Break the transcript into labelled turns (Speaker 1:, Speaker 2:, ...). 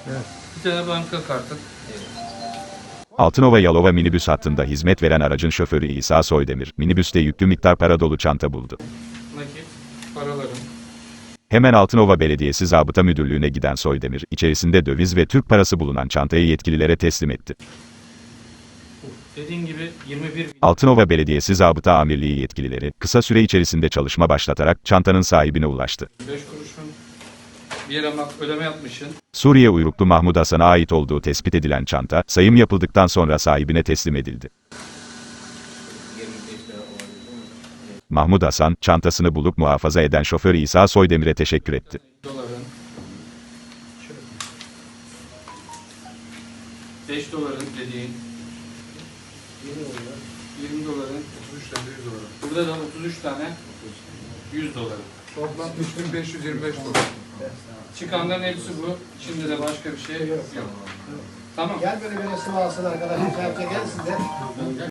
Speaker 1: Evet.
Speaker 2: Bir tane banka kartı.
Speaker 3: Altınova Yalova minibüs hattında hizmet veren aracın şoförü İsa Soydemir, minibüste yüklü miktar para dolu çanta buldu.
Speaker 2: Nakit, paralarım.
Speaker 3: Hemen Altınova Belediyesi Zabıta Müdürlüğü'ne giden Soydemir, içerisinde döviz ve Türk parası bulunan çantayı yetkililere teslim etti.
Speaker 2: Dediğim gibi 21 bin.
Speaker 3: Altınova Belediyesi Zabıta Amirliği yetkilileri, kısa süre içerisinde çalışma başlatarak çantanın sahibine ulaştı.
Speaker 2: 5 kuruşun bir yere ödeme yapmışsın.
Speaker 3: Suriye uyruklu Mahmud Hasan'a ait olduğu tespit edilen çanta, sayım yapıldıktan sonra sahibine teslim edildi. Mahmud Hasan, çantasını bulup muhafaza eden şoför İsa Soydemir'e teşekkür etti.
Speaker 2: Doların. 5 doların dediğin. 20 doların.
Speaker 1: 33 tane 100 dolar.
Speaker 2: Burada da 33 tane 100 doları.
Speaker 1: Toplam 3525 dolar.
Speaker 2: Çıkanların hepsi bu. Şimdi de başka bir şey yok. Tamam.
Speaker 4: Gel böyle sıvı alsın arkadaşlar. Gelsin de.